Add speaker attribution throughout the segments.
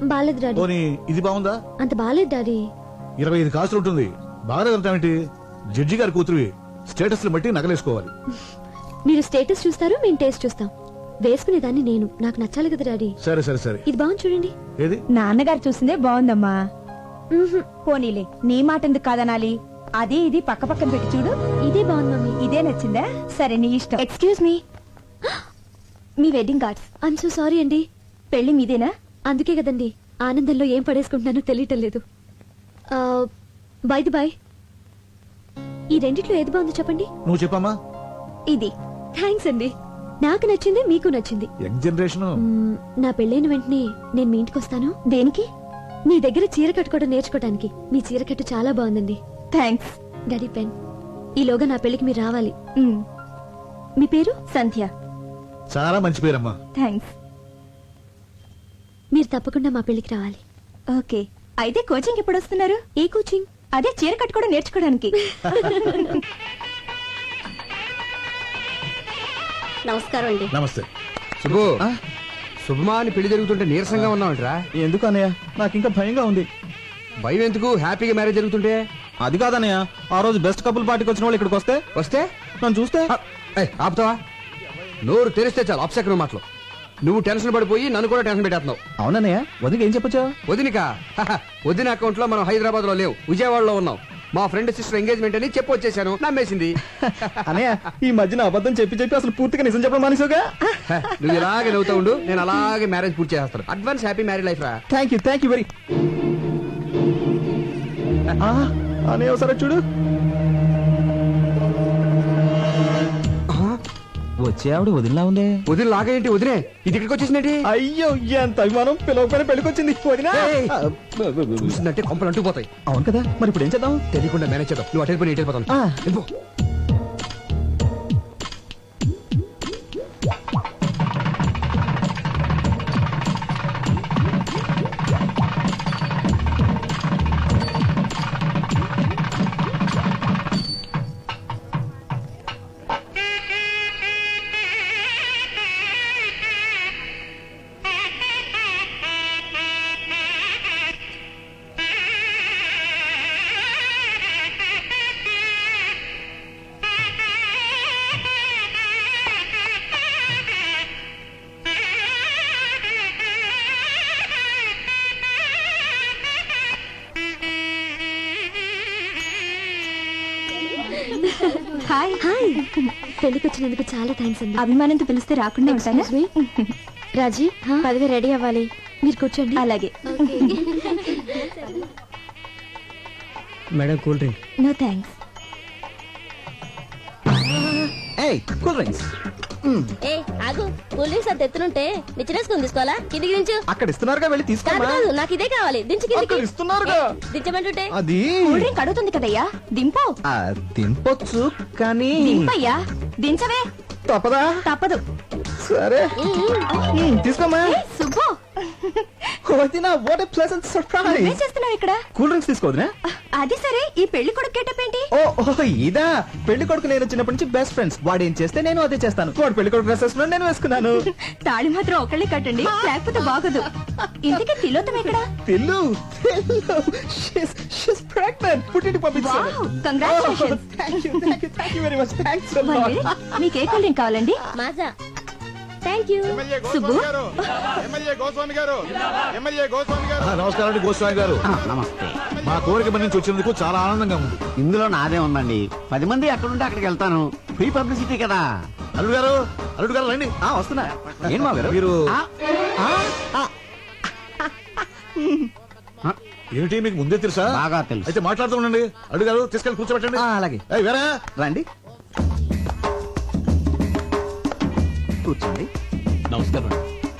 Speaker 1: బాలేదు డాడీ.
Speaker 2: పోనీ ఇది బాగుందా?
Speaker 1: అంత బాలేదు డాడీ.
Speaker 2: 25 కాసులు ఉంటుంది. బాగా వెళ్తామేంటి? జడ్జి గారి కూతురువి, స్టేటస్ బట్టి నగలేసుకోవాలి.
Speaker 1: మీరు స్టేటస్ చూస్తారు, మేము టేస్ట్ చూస్తాం. వేసుకునేదాన్ని నేను, నాకు నచ్చాలి కదా డాడీ.
Speaker 2: సరే సరే సరే.
Speaker 1: ఇది బాగుంది చూడండి.
Speaker 2: ఏది?
Speaker 3: నాన్నగారు చూసిందే బాగుందమ్మా. పోనీలే, నీ మాట ఎందుకు కాదనాలి? అది ఇది పక్క పక్కన పెట్టి చూడు.
Speaker 1: ఇదే బాగుంది మమ్మీ.
Speaker 3: ఇదే నచ్చిందా? సరే నీ ఇష్టం. ఎక్స్క్యూజ్ మీ, మీ wedding cards.
Speaker 1: I'm so sorry అండి.
Speaker 3: పెళ్లి మీదేనా?
Speaker 1: అందుకే కదండి ఆనందంలో ఏం పడేసుకుంటున్నానో తెలియటం లేదు. బై ది బై, ఈ రెండిట్లో ఏది బాగుందో చెప్పండి.
Speaker 2: నువ్వు చెప్పమ్మా.
Speaker 3: ఇది.
Speaker 1: థ్యాంక్స్ అండి, నాకు నచ్చింది, మీకు నచ్చింది.
Speaker 2: Young generation.
Speaker 1: నా పెళ్ళైన వెంటనే నేను మీ ఇంటికి వస్తాను.
Speaker 3: దేనికి?
Speaker 1: మీ దగ్గర చీర కట్టుకోవడం నేర్చుకోవడానికి. మీ చీర కట్టు చాలా బాగుందండి.
Speaker 3: థ్యాంక్స్.
Speaker 1: Daddy pen. ఈలోగా నా పెళ్లికి మీరు రావాలి.
Speaker 3: మ్,
Speaker 1: మీ పేరు?
Speaker 3: సంధ్య.
Speaker 2: చాలా మంచి పేరమ్మా.
Speaker 3: థ్యాంక్స్.
Speaker 1: మీరు తప్పకుండా మా పెళ్లికి రావాలి.
Speaker 3: ఓకే, అయితే కోచింగ్ ఎప్పుడు వస్తున్నారు?
Speaker 1: ఏ కోచింగ్?
Speaker 3: అదే చీర కట్టుకోవడం నేర్చుకోవడానికి.
Speaker 1: నమస్కారం అండి.
Speaker 2: నమస్తే.
Speaker 4: శుభు, శుభమా అని పెళ్లి జరుగుతుంటే నీరసంగా ఉన్నావంటరా?
Speaker 5: ఎందుకు అన్నయ్య, నాకు ఇంకా భయంగా ఉంది.
Speaker 4: భయం ఎందుకు? హ్యాపీగా మ్యారేజ్ జరుగుతుంటే.
Speaker 5: అది కాదన్నయ్య, ఆ రోజు బెస్ట్ కపుల్ పార్టీకి వచ్చిన వాళ్ళు ఇక్కడికి
Speaker 4: వస్తే
Speaker 5: నన్ను చూస్తే
Speaker 4: ఆపుతావా? నోరు తెరిస్తే చాలు అప్సెకరం మాటలు. నువ్వు టెన్షన్ పడిపోయి నన్ను కూడా టెన్షన్ పెట్టేస్తున్నావు.
Speaker 5: అవునన్నయ్య, వదిలికి ఏం చెప్పొచ్చా?
Speaker 4: వదినిక వదిన అకౌంట్ లో మనం హైదరాబాద్ లో లేవు, విజయవాడలో ఉన్నాం. మా ఫ్రెండ్ సిస్టర్ ఎంగేజ్మెంట్ అని చెప్పి వచ్చేసాను. నమ్మేసింది.
Speaker 5: అన్నయ్య, ఈ మధ్యన అబద్ధం చెప్పి చెప్పి అసలు పూర్తిగా నిజం చెప్పడం మానేసావుగా.
Speaker 4: నువ్వు ఇలాగే నవ్వుతా ఉండు, నేను అలాగే మ్యారేజ్ పూర్తి చేస్తాను. అడ్వాన్స్ హ్యాపీ మ్యారేజ్ లైఫ్ రా.
Speaker 5: Thank you very. అన్నయ్య ఒకసారి చూడు. వచ్చే ఆవిడ వదిలిలా ఉంది.
Speaker 4: వదిన లాగేంటి? వదిలే ఇది ఇక్కడికి వచ్చేసిందేంటి?
Speaker 5: అయ్యో, ఎంత అభిమానం! పిలవకపోయినా పెళ్ళికొచ్చింది వదినా.
Speaker 4: చూసిందంటే కొంపలు అంటుకుపోతాయి.
Speaker 5: అవును కదా, మరి ఇప్పుడు ఏం చేద్దాం?
Speaker 4: తెలియకుండా మేనేజ్ చేద్దాం. నువ్వు అటెండ్ పోయి ఇటు వెళ్ళిపోతాను. వెళ్ళిపో.
Speaker 3: హాయ్.
Speaker 1: హాయ్. పెళ్లికి వచ్చినందుకు చాలా థ్యాంక్స్ అండి.
Speaker 3: అభిమానంతో పిలిస్తే రాకుండా ఉంటానా?
Speaker 1: రాజీ, పదవి రెడీ అవ్వాలి. మీరు కూర్చోండి.
Speaker 3: అలాగే.
Speaker 5: Madam, cool drink.
Speaker 3: No thanks.
Speaker 5: Cool drinks.
Speaker 6: ఏ ఆగు, కూల్ డ్రింక్స్ అంత ఎత్తునుంటే నిచ్చినేసుకుని తీసుకోవాలా? కిందికి దించు.
Speaker 5: అక్కడ ఇస్తున్నారుగా, వెళ్ళి
Speaker 6: కాదు
Speaker 5: తీసుకోమా.
Speaker 6: కాదు, నాకు ఇదే కావాలి. దించు కిందికి.
Speaker 5: అక్కడ ఇస్తున్నారుగా.
Speaker 6: దించమంటుంటే
Speaker 5: అది
Speaker 3: కూల్ డ్రింక్ అడుగుతుంది కదయ్యా, దింపు.
Speaker 5: దింపొచ్చు కానీ
Speaker 3: దింపయ్యా, దించవే.
Speaker 5: తప్పదా?
Speaker 3: తప్పదు.
Speaker 5: సరే, తీసుకోమా.
Speaker 3: సుబ్బు,
Speaker 5: వదినా, వాట్ ఎ ప్లెజెంట్
Speaker 3: ఏం
Speaker 5: సర్ప్రైజ్.
Speaker 3: చేస్తున్నావు ఇక్కడ?
Speaker 5: కూల్ డ్రింక్స్ తీసుకోవద్దునా?
Speaker 3: అది సరే, ఈ పెళ్లి కొడుకు గెటప్ ఏంటి?
Speaker 5: ఓ ఇదా, పెళ్లి కొడుకు నేను చిన్నప్పటి నుంచి బెస్ట్ ఫ్రెండ్స్. వాడు ఏం చేస్తే నేను అదే చేస్తాను. వాడు పెళ్లి కొడుకు డ్రెస్ వేసుకున్నాడు, నేను వేసుకున్నాను.
Speaker 3: తాళి మాత్రం ఒకళ్ళే కట్టండి, లేకపోతే బాగదు. ఇంతకీ తిలోతం ఎక్కడ?
Speaker 5: తెల్లు షీస్ ప్రెగ్నెంట్. పుట్టింటికి పంపించాను.
Speaker 3: Wow, congratulations.
Speaker 5: Thank you very much. Thanks a
Speaker 3: one
Speaker 5: lot.
Speaker 3: Minute, మీకు ఏ కూల్ డ్రింక్ కావాలండి?
Speaker 6: మాజా. Thank you.
Speaker 3: సుబ్బు,
Speaker 2: నమస్కారం అండి గోస్వామి గారు.
Speaker 7: నమస్తే.
Speaker 2: మా కోరిక నుంచి వచ్చినందుకు చాలా ఆనందంగా ఉంది.
Speaker 7: ఇందులో నాదే ఉందండి. 10 మంది ఎక్కడుంటే అక్కడికి వెళ్తాను. ఫ్రీ పబ్లిసిటీ కదా.
Speaker 2: అల్లుడు గారు రండి.
Speaker 5: వస్తున్నా. ఏం మా గారు
Speaker 2: మీరు
Speaker 7: ఆ,
Speaker 2: ఏమిటి, మీకు ముందే తెలుసా?
Speaker 7: బాగా తెలుసు.
Speaker 2: అయితే మాట్లాడుతూ ఉండండి. అల్లుడు గారు తీసుకెళ్ళి కూర్చోబెట్టండి.
Speaker 5: అలాగే.
Speaker 2: ఏయ్, వేరే
Speaker 5: రండి, కూర్చోండి.
Speaker 7: నమస్కారం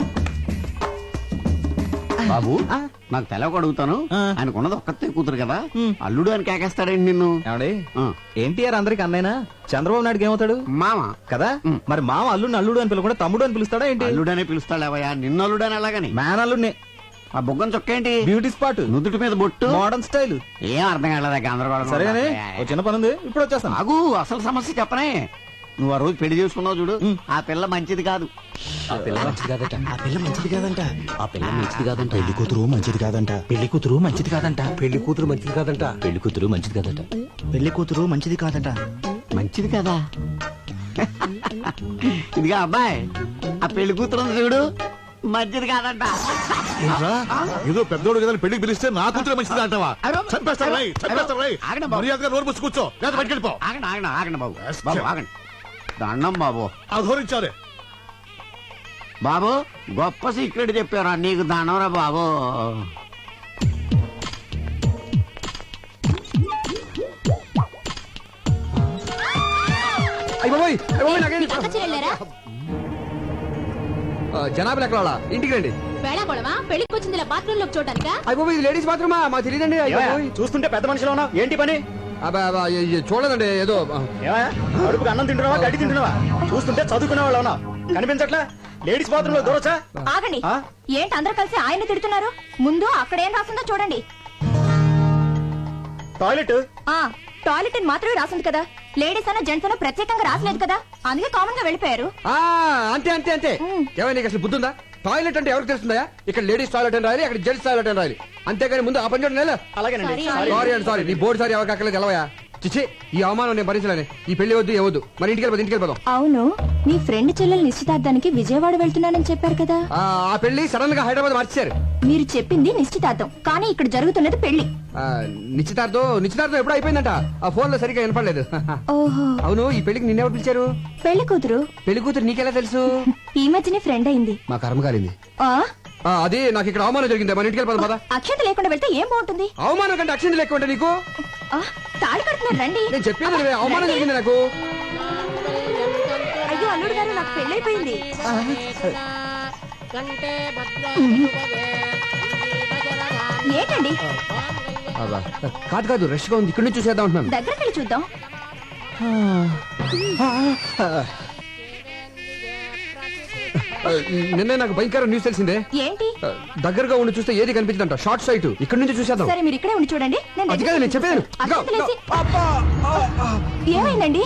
Speaker 7: బాబు. నాకు తెలవక అడుగుతాను. ఆయనకున్నది ఒక్కతే కూతురు కదా, అల్లుడు అని కేకేస్తాడండి నిన్ను.
Speaker 5: ఏమండి,
Speaker 7: ఆ.
Speaker 5: ఎన్టీఆర్ అందరికి అన్నైనా, చంద్రబాబు నాయుడుకి ఏమవుతాడు?
Speaker 7: మామ.
Speaker 5: కదా, మరి మామ అల్లుడిని అల్లుడు అని పిలవకుండా తమ్ముడు అని పిలుస్తాడా ఏంటి?
Speaker 7: అల్లుడనే పిలుస్తాడేవయ్యా, నిన్ను అల్లుడని అలాగని.
Speaker 5: మ్యాన్ అల్లుడిని.
Speaker 7: ఆ బుగ్గం చొక్కేంటి?
Speaker 5: బ్యూటీ స్పాట్,
Speaker 7: నుదుటి మీద బొట్టు,
Speaker 5: మోడర్న్ స్టైల్.
Speaker 7: ఏం అర్థం కాలేదా? గందరగోళం.
Speaker 5: సరేగానే, ఓ చిన్న పని ఉంది, ఇప్పుడు వచ్చేస్తాను.
Speaker 7: ఆగు, అసలు సమస్య చెప్పనే. నువ్వు ఆ రోజు పెళ్లి చేసుకున్నావు చూడు ఆ పిల్ల మంచిది కాదు.
Speaker 8: ఆ పిల్ల మంచిది కాదంట. ఆ పిల్ల మంచిది కాదంట. ఆ పిల్ల మంచిది కాదంట. పెళ్లి కూతురు మంచిది కాదంట. పెళ్లి కూతురు మంచిది కాదంట. పెళ్లి కూతురు మంచిది కాదంట. పెళ్లి కూతురు మంచిది కాదంట. పెళ్లి కూతురు మంచిది కాదంట.
Speaker 7: మంచిది కదా. ఇదిగా అబ్బాయి ఆ పెళ్లి కూతురు ఉంది చూడు మంచిది కాదంట.
Speaker 2: ఏంట్రా? ఏదో పెద్దోడు కదా పెళ్లికి పిలిస్తే నా కూతురు మంచిది అంటావా? చంపేస్తారు రై, చంపేస్తారు రై.
Speaker 7: ఆగండి బాబు.
Speaker 2: మర్యాదగా నోరు మూసి కూర్చో లేదా బయటికి వెళ్ళిపో.
Speaker 7: ఆగండి ఆగండి ఆగండి బాబు. బాబు ఆగండి. దండం బాబు.
Speaker 2: అధోరించారే.
Speaker 7: బాబు గొప్ప సీక్రెట్ చెప్పారా నీకు దండంరా బాబు.
Speaker 4: జనాభా లెక్కల ఇంటికి రండి.
Speaker 6: వేళాకోళమా పెళ్లికి వచ్చింది బాత్రూమ్ లోకి చూడటానికా?
Speaker 4: అయిపోయి ఇది లేడీస్ బాత్రూమా? మాకు తెలియదండి.
Speaker 5: చూస్తుంటే పెద్ద మనిషిలో ఉన్నావు, ఏంటి పని?
Speaker 4: చూడదండి ఏదో
Speaker 5: ఏమయ్యా, అడుపుకి అన్నం తింటున్నావా గడ్డి తింటున్నావా? చూస్తుంటే చదువుకునే వాళ్ళు ఉన్నావు, కనిపించట్లా? లేడీస్ బాత్రూమ్ లో దూరొచ్చా?
Speaker 3: ఆగండి.
Speaker 5: ఆ?
Speaker 3: ఏంటి అందరూ కలిసి ఆయన తిడుతున్నారు? ముందు అక్కడ ఏం రాసిందో చూడండి.
Speaker 5: టాయిలెట్
Speaker 3: టాయిలెట్ అని మాత్రమే రాసింది కదా, లేడీస్ అన్న జెంట్స్ అన్న ప్రత్యేకంగా రాసలేదు కదా, అందుకే కామన్ గా వెళ్ళిపోయారు.
Speaker 4: అంతే అంతే అంతే. ఏమైనా నీకు అసలు బుద్ధుందా? టాయిలెట్ అంటే ఎవరికి తెలుస్తుందా? ఇక్కడ లేడీస్ టాయిలెట్ అని రాయాలి, అక్కడ జెంట్స్ టాయిలెట్ అని రాయాలి. అంతేగాని ముందు ఆ పని చూడండి.
Speaker 5: అలాగేనండి.
Speaker 4: సారీ అండి సారీ. నీ బోర్డు సారీ ఎవరికి అక్కర్లేదు తెలవయా? చిచ్చి ఈ అవమానం నేను భరించలేను. ఈ పెళ్లి వద్దు ఏవద్దు. మరి ఇంటికి వెళ్ళిపోదాం.
Speaker 3: అవును, మీ ఫ్రెండ్ చెల్లెలు నిశ్చితార్థానికి విజయవాడ వెళ్తున్నానని చెప్పారు కదా.
Speaker 4: ఆ పెళ్లి సడన్ గా హైదరాబాద్ మార్చారు.
Speaker 3: మీరు చెప్పింది నిశ్చితార్థం, కానీ ఇక్కడ జరుగుతున్నది పెళ్లి.
Speaker 4: నిశ్చితార్థం ఎప్పుడు అయిపోయిందంట. ఆ ఫోన్ లో సరిగ్గా వినపడలేదు.
Speaker 3: ఓహో.
Speaker 4: అవును, ఈ పెళ్లికి నిన్నెవరు పిలిచారు?
Speaker 3: పెళ్లి కూతురు.
Speaker 4: పెళ్లి కూతురు నీకెలా తెలుసు?
Speaker 3: ఈ మధ్యనే ఫ్రెండ్ అయింది.
Speaker 4: మా కర్మ కాలింది.
Speaker 3: ఆ
Speaker 4: అది నాకు ఇక్కడ అవమానం జరిగింది. మన ఇంటికి వెళ్ళిపోదాం పద.
Speaker 3: అక్షత లేకుండా వెళ్తే ఏం బాగుంటుంది?
Speaker 4: అవమానం కంటే అక్షింది లెక్క ఉంటే నీకు
Speaker 3: తాళి కడుతున్నారు రండి.
Speaker 4: నేను చెప్పేది వినవే, అవమానం జరిగింది నాకు.
Speaker 3: అయ్యో అల్లుడు గారు, నాకు పెళ్ళైపోయింది. ఏంటండి?
Speaker 4: కాదు రష్ గా ఉంది, ఇక్కడ నుంచి చూసేద్దాం అంటున్నాను.
Speaker 3: దగ్గరికి వెళ్ళి చూద్దాం.
Speaker 4: నిన్నే నాకు భయంకర న్యూస్ తెలిసిందే.
Speaker 3: ఏంటి?
Speaker 4: దగ్గరగా ఉండి చూస్తే ఏది కనిపించదంట. Short site. ఇక్కడ నుంచి చూసేద్దాం.
Speaker 3: సరే మీరు ఇక్కడే ఉండి చూడండి. నేను
Speaker 4: అది కాదు నేను చెప్పాను.
Speaker 3: ఏమైందండి?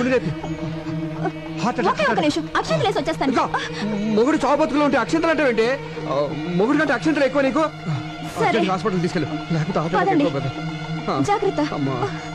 Speaker 4: హార్ట్
Speaker 3: ఒకే ఒక నిమిషం, అక్షంతలు వేసి వచ్చేస్తాను.
Speaker 4: మొగుడు చావు బతుకులో ఉంటే అక్షంతలు అంటే ఏంటి? మొగుడు కంటే అక్షంతలు ఎక్కువ నీకు.
Speaker 3: సరే.
Speaker 4: హాస్పిటల్ తీసుకెళ్ళు.
Speaker 3: పదండి.
Speaker 4: లేకపోతే
Speaker 3: జాగ్రత్త.
Speaker 4: అమ్మా.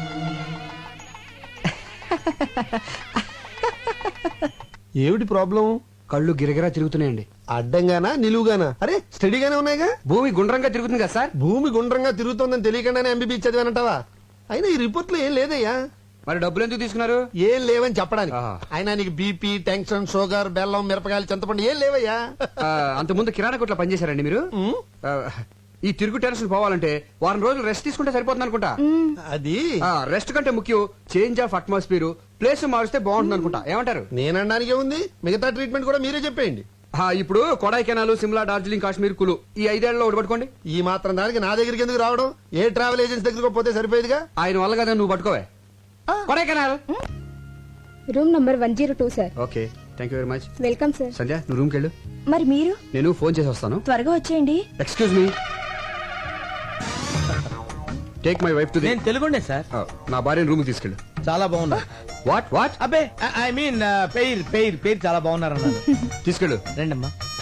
Speaker 9: ఏమిటి ప్రాబ్లం?
Speaker 4: కళ్ళు గిరగిరా తిరుగుతున్నాయండి.
Speaker 9: అడ్డంగానా నిలువుగానా? అరే స్టడీగానే ఉన్నాయిగా.
Speaker 4: భూమి గుండ్రంగా తిరుగుతుంది కదా సార్.
Speaker 9: భూమి గుండ్రంగా తిరుగుతోందని తెలియకుండానే ఎంబీబీ చదివానంటావా? అయినా ఈ రిపోర్ట్ లో ఏం లేదయ్యా.
Speaker 4: మరి డబ్బులు ఎందుకు తీసుకున్నారు?
Speaker 9: ఏం లేవని చెప్పడానికి.
Speaker 4: ఆహా.
Speaker 9: అయినా నీకు బీపీ, టెన్షన్, షుగర్, బెల్లం, మిరపకాయలు, చింతపండు ఏం లేవయ్యా.
Speaker 4: అంత ముందు కిరాణా కొట్లో పనిచేశారండి మీరు? ఆ, ఈ తిరుగు టెన్షన్ పోవాలంటే వారం రోజులు రెస్ట్ తీసుకుంటే సరిపోతుంది అనుకుంటా.
Speaker 9: అది
Speaker 4: రెస్ట్ కంటే ముఖ్యం చేంజ్ ఆఫ్ అట్మాస్ఫియర్. ప్లేస్ మారిస్తే బాగుంటుంది అనుకుంటా. ఏమంటారు?
Speaker 9: నేనడానికి ఉంది. మిగతా ట్రీట్మెంట్ కూడా మీరే చెప్పేయండి.
Speaker 4: ఇప్పుడు కొడైకెనాల్, సిమ్లా, డార్జిలింగ్, కాశ్మీర్, కులు ఈ 5 ఏళ్లలో ఒకటి పట్టుకోండి.
Speaker 9: ఈ మాత్రం దానికి నా దగ్గరికి ఎందుకు రావడం? ఏ ట్రావెల్ ఏజెన్సీ దగ్గరకు పోతే సరిపోయేదిగా.
Speaker 4: ఆయన వల్ల కదా నువ్వు పట్టుకోవే. Kodaikanal
Speaker 10: room number 102 sir.
Speaker 4: Okay, thank you very much.
Speaker 10: Welcome sir.
Speaker 4: Sandhya నువ్వు రూమ్కి వెళ్ళు.
Speaker 3: మరి మీరు
Speaker 4: నేను ఫోన్ చేసి వస్తాను.
Speaker 3: త్వరగా వచ్చేయండి.
Speaker 4: Excuse me, take my wife to the.
Speaker 5: నేను తెలుగుండే సార్.
Speaker 4: నా భార్యను రూమ్ తీసుకెళ్ళు.
Speaker 5: చాలా బాగున్నా.
Speaker 4: What what?
Speaker 5: అబ్బే ఐ మీన్ పేరు చాలా బాగున్నారు అన్నారు.
Speaker 4: తీసుకెళ్ళు.
Speaker 5: రండమ్మా.